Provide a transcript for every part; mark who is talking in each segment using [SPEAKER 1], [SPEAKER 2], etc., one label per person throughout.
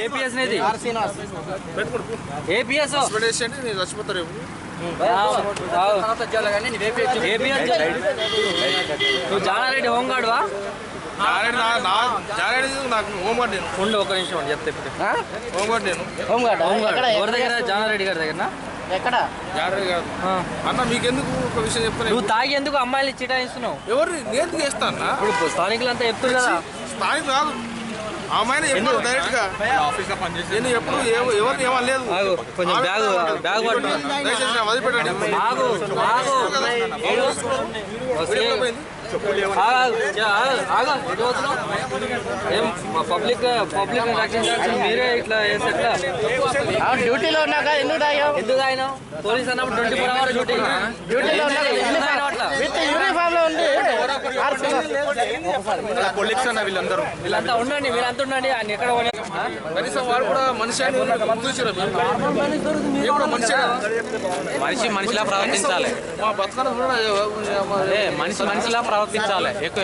[SPEAKER 1] APS నేది APS
[SPEAKER 2] చచ్చిపోతారు
[SPEAKER 1] నువ్వు జానారెడ్డి హోంగార్డువా?
[SPEAKER 2] నాకు హోంగార్డ్ నేను
[SPEAKER 1] ఉండు ఒక నిమిషం చెప్తే ఇప్పుడు
[SPEAKER 2] హోంగార్డ్ నేను
[SPEAKER 1] హోంగార్డ్ ఎవరి దగ్గర? జానారెడ్డి గారి దగ్గర.
[SPEAKER 3] ఎక్కడ?
[SPEAKER 2] జానారెడ్డి గారు అన్న మీకెందుకు ఒక విషయం చెప్తాను.
[SPEAKER 1] నువ్వు తాగి ఎందుకు అమ్మాయిలు చిటాయిస్తున్నావు?
[SPEAKER 2] ఎవరు నేను చేస్తాను
[SPEAKER 1] ఇప్పుడు స్థానికులంతా చెప్తున్నారు కదా.
[SPEAKER 2] స్థానికులు కాదు అమ్మాయిని ఎప్పుడు డైరెక్ట్ గా ఆఫీస్ లో పనిచేసి నేను ఎప్పుడు ఎవరిని ఏమనలేదు.
[SPEAKER 1] కొంచెం బ్యాగ్ పట్టు
[SPEAKER 2] వదిలిపెట్టండి.
[SPEAKER 1] పబ్లిక్ రక్షించాల్సి మీరే ఇట్లా వేసి ఎట్లా?
[SPEAKER 3] డ్యూటీలో ఉన్నాక ఎందుకు
[SPEAKER 1] తాగినావు? పోలీస్ అన్నప్పుడు 24 hours డ్యూటీ.
[SPEAKER 3] డ్యూటీలో యూనిఫామ్ లో ఉంది.
[SPEAKER 1] వీళ్ళంతా ఉండండి ఉండండి. ఆయన ఎక్కడ
[SPEAKER 2] కనీసం వాడు కూడా మనిషి
[SPEAKER 1] మనిషిలా ప్రవర్తించాలి.
[SPEAKER 2] మా బతకడం
[SPEAKER 1] మనిషిలా ప్రవర్తించాలి. ఎక్కువ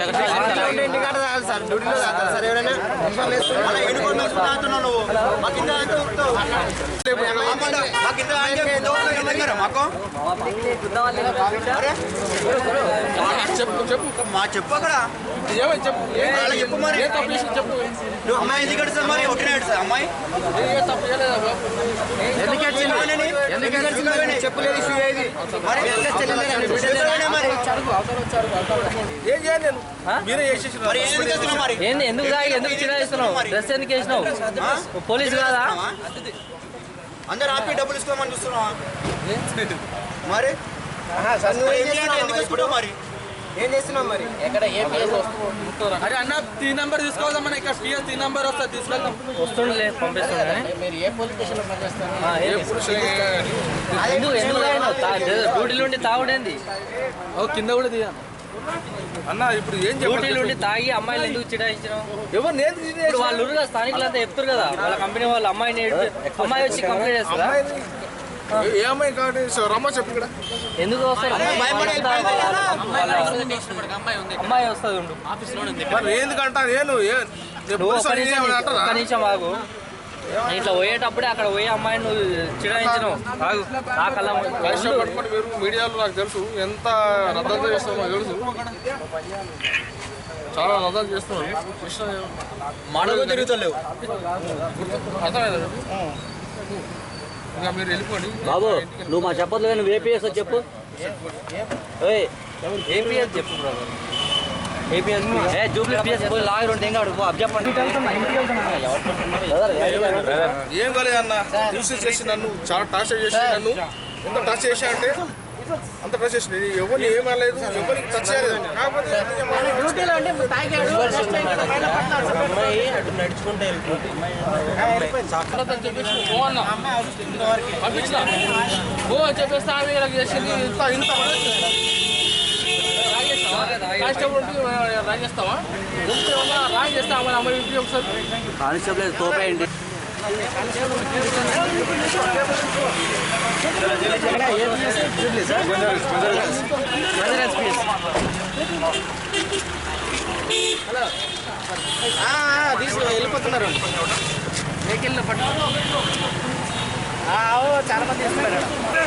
[SPEAKER 2] చెప్పు అక్కడ చెప్పు మరి చెప్పు. అమ్మాయి ఎందుకు అడుగుతావు మరి? ఒకటి అమ్మాయి చెప్పలేదు ఇష్యూ ఏది ఏం చేయాలి నేను? మీరే చేసేసి
[SPEAKER 1] ఏంది? ఎందుకు చిరాయిస్తున్నావు? డ్రెస్ ఎందుకు వేసినావు? పోలీసు కాదా?
[SPEAKER 2] అందరు ఆపి డబ్బులు ఇసుకోమని చూస్తున్నావా మరి? ఎందుకు ఇస్తున్నావు మరి? ఏం చేస్తున్నావు మరి?
[SPEAKER 3] ఎక్కడ
[SPEAKER 1] అరే అన్న 3 నెంబర్ తీసుకోవద్దామన్నా. ఇక్కడ పిఎస్ 3 నెంబర్ వస్తా తీసుకెళ్తాం. వస్తుండే పంపిస్తుండే.
[SPEAKER 3] మీరు ఏ పోలీస్ స్టేషన్ లో పనిచేస్తారు?
[SPEAKER 1] డ్యూటీలో ఉండి తాగుడేంది? కింద కూడా దిగా
[SPEAKER 2] అన్న. ఇప్పుడు ఏం
[SPEAKER 1] డ్యూటీలో ఉండి తాగి అమ్మాయిలు ఎందుకు చిడాయించినావు?
[SPEAKER 2] ఎవరు నేను?
[SPEAKER 1] వాళ్ళు స్థానికులంతా చెప్తారు కదా. వాళ్ళ కంపెనీ వాళ్ళు అమ్మాయి వచ్చి కంప్లైంట్ చేస్తారా?
[SPEAKER 2] ఏ అమ్మాయి కాబట్టి రమ్మ చెప్పు ఇక్కడ.
[SPEAKER 1] ఎందుకు వస్తారు? అమ్మాయి వస్తుంది ఉండు
[SPEAKER 2] ఎందుకంటా నేను
[SPEAKER 1] కనీసం బాగు ఇట్లా పోయేటప్పుడే అక్కడ పోయే అమ్మాయిని నువ్వు చిడాయించినావు.
[SPEAKER 2] పట్టుకొని మీరు మీడియాలో నాకు తెలుసు ఎంత రద్దు చేస్తావు నాకు తెలుసు. చాలా రద్దు చేస్తున్నావు.
[SPEAKER 1] మాడలు తిరుగుతలేవు.
[SPEAKER 2] అర్థమైందా? ఇంకా మీరు వెళ్ళిపోండి
[SPEAKER 1] బాబు. నువ్వు మా చెప్పదు కానీ ఏపీఎస్ చెప్పు. ఏపీఎస్ చెప్పు బ్రదర్. ఏపీఎస్ జూబ్లీ పిఎస్ లాగర్ ఉంటే ఇంకా అడుగు అబ్ చెప్పండి.
[SPEAKER 2] ఏం కాలేదు అన్న. న్యూస్ చేసి నన్ను చాలా టార్చర్ చేసి నన్ను ఎంత టార్చర్ చేశా అంటే అంత టార్చర్ చేసి ఎవరిని ఏమనలేదు, ఎవరికి టచ్ చేయలేదు.
[SPEAKER 1] చెప్పేస్తే ఆమె చేసింది. రాయి చేస్తావా? రాయి చేస్తా అమ్మాయి ఒకసారి కానిస్టేబుల్ తోపేయండి.
[SPEAKER 3] వెళ్ళిపోతున్నారు వెహికల్ పట్టు. చాలా మంది తీసుకున్నారు.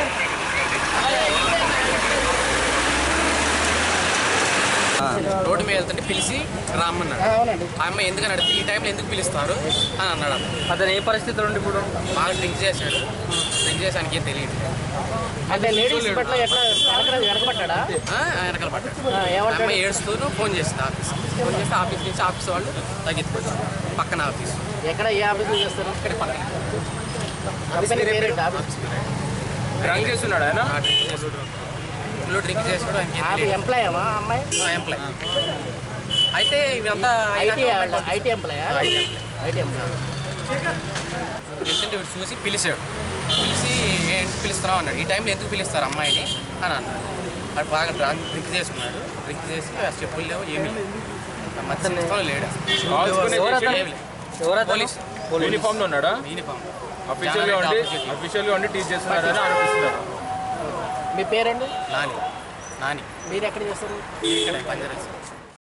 [SPEAKER 4] రోడ్డు మీద వెళ్తుంటే పిలిచి రామ్మన్నాడు. ఆ అమ్మాయి ఎందుకని అడిగితే ఈ టైంలో ఎందుకు పిలుస్తారు అని అన్నాడు.
[SPEAKER 1] అతను ఏ పరిస్థితిలో ఉండి ఇప్పుడు
[SPEAKER 4] బాగా డ్రింక్ చేశాడు. డ్రింక్ చేసానికి ఏం తెలియదు.
[SPEAKER 3] అంటే లేడీస్ పట్ల ఎట్లా వెనకబడ్డా?
[SPEAKER 4] వెనకాల పడ్డాడు. అమ్మాయి ఏడుస్తూ ఫోన్ చేసింది ఆఫీస్. ఫోన్ చేస్తే ఆఫీస్ నుంచి ఆఫీస్ వాళ్ళు తగ్గిపోతారు. పక్కన ఆఫీస్.
[SPEAKER 3] ఎక్కడ ఏ ఆఫీస్ చేస్తారు?
[SPEAKER 4] ఇక్కడ పక్కన
[SPEAKER 2] డ్రింక్ చేస్తున్నాడు ఆయన.
[SPEAKER 4] డ్రింక్ చేసాడు.
[SPEAKER 3] ఎంప్లాయ్ అమ్మాయి
[SPEAKER 4] ఎంప్లాయ్ అయితే ఇవంతా
[SPEAKER 3] ఐటీ ఎంప్లాయ్.
[SPEAKER 4] వీడు చూసి పిలిచాడు. పిలిచి ఏంటి పిలుస్తున్నావు అన్నాడు. ఈ టైంలో ఎందుకు పిలుస్తారు అమ్మాయిని అని అన్నాడు. అది బాగా డ్రింక్ చేసుకున్నాడు. డ్రింక్ చేసి చెప్పులు లేవు, ఏమీ లేవు. మధ్య లేడు. పోలీస్
[SPEAKER 2] యూనిఫామ్ లో ఉన్నాడా?
[SPEAKER 4] యూనిఫామ్
[SPEAKER 2] అఫీషియల్గా ఉండి టీచ్ చేస్తున్నారని అనిపిస్తున్నారు.
[SPEAKER 3] మీ పేరండి?
[SPEAKER 4] నాని.
[SPEAKER 3] మీరు ఎక్కడ చేస్తారు?
[SPEAKER 4] ఇక్కడ పంజారాస్.